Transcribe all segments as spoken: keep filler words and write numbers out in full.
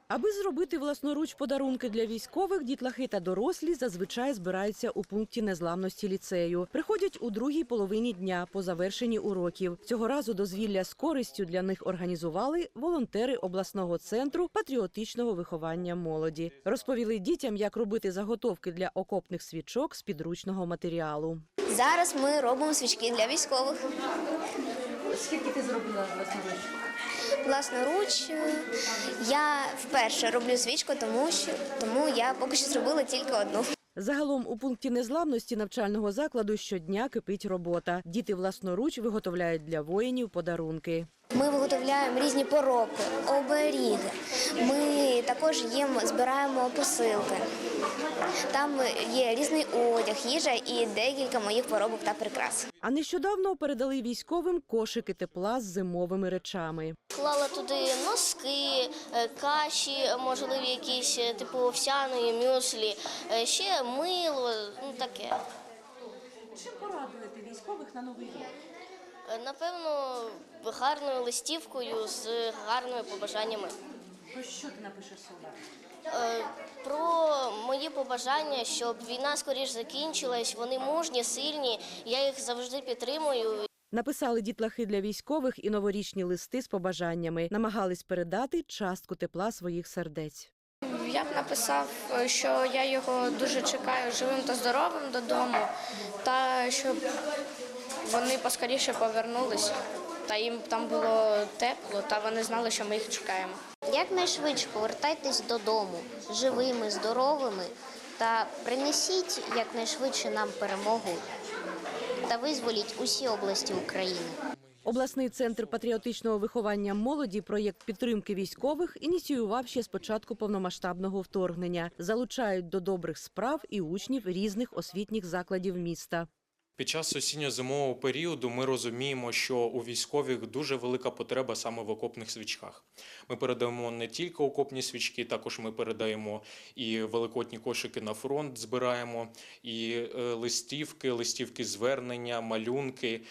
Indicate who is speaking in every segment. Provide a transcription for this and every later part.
Speaker 1: Аби зробити власноруч подарунки для військових, дітлахи та дорослі зазвичай збираються у пункті незламності ліцею. Приходять у другій половині дня по завершенні уроків. Цього разу дозвілля з користю для них організували волонтери обласного центру патріотичного виховання молоді. Розповіли дітям, як робити заготовки для окопних свічок з підручного матеріалу.
Speaker 2: Зараз ми робимо свічки для військових.
Speaker 1: Скільки ти зробила власноруч?
Speaker 2: Власноруч я вперше роблю свічку, тому що тому я поки що зробила тільки одну.
Speaker 1: Загалом у пункті незламності навчального закладу щодня кипить робота. Діти власноруч виготовляють для воїнів подарунки.
Speaker 2: Ми виготовляємо різні поробки, оберіги. Ми також їм збираємо посилки. Там є різний одяг, їжа і декілька моїх поробок та прикрас.
Speaker 1: А нещодавно передали військовим кошики тепла з зимовими речами.
Speaker 3: Клала туди носки, каші, можливі якісь, типу овсяної, мюслі, ще мило, ну таке.
Speaker 1: Чим порадуєте військових на Новий рік?
Speaker 3: Напевно, гарною листівкою з гарними побажаннями.
Speaker 1: Про що ти напишеш сюди?
Speaker 3: Про мої побажання, щоб війна скоріш закінчилась, вони мужні, сильні, я їх завжди підтримую.
Speaker 1: Написали дітлахи для військових і новорічні листи з побажаннями. Намагались передати частку тепла своїх сердець.
Speaker 4: Я б написав, що я його дуже чекаю живим та здоровим додому, та щоб вони поскоріше повернулися, та їм там було тепло, та вони знали, що ми їх чекаємо.
Speaker 5: Якнайшвидше повертайтесь додому живими, здоровими та принесіть якнайшвидше нам перемогу та визволіть усі області України.
Speaker 1: Обласний центр патріотичного виховання молоді проєкт підтримки військових ініціював ще з початку повномасштабного вторгнення. Залучають до добрих справ і учнів різних освітніх закладів міста.
Speaker 6: Під час осінньо-зимового періоду ми розуміємо, що у військових дуже велика потреба саме в окопних свічках. Ми передаємо не тільки окопні свічки, також ми передаємо і великодні кошики на фронт, збираємо, і листівки, листівки звернення, малюнки,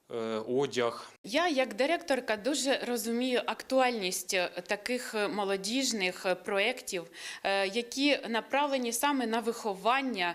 Speaker 6: одяг.
Speaker 7: Я, як директорка, дуже розумію актуальність таких молодіжних проєктів, які направлені саме на виховання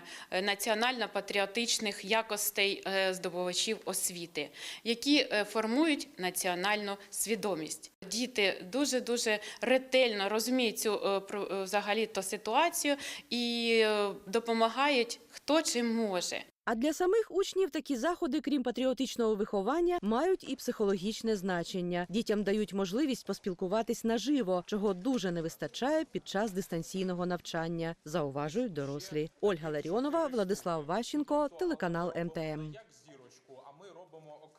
Speaker 7: національно-патріотичних якостей здобувачів освіти, які формують національну свідомість. Діти дуже-дуже ретельно розуміють цю взагалі-то ситуацію і допомагають хто чим може.
Speaker 1: А для самих учнів такі заходи, крім патріотичного виховання, мають і психологічне значення. Дітям дають можливість поспілкуватись наживо, чого дуже не вистачає під час дистанційного навчання, зауважують дорослі. Ольга Ларіонова, Владислав Ващенко, телеканал Ем Те Ем.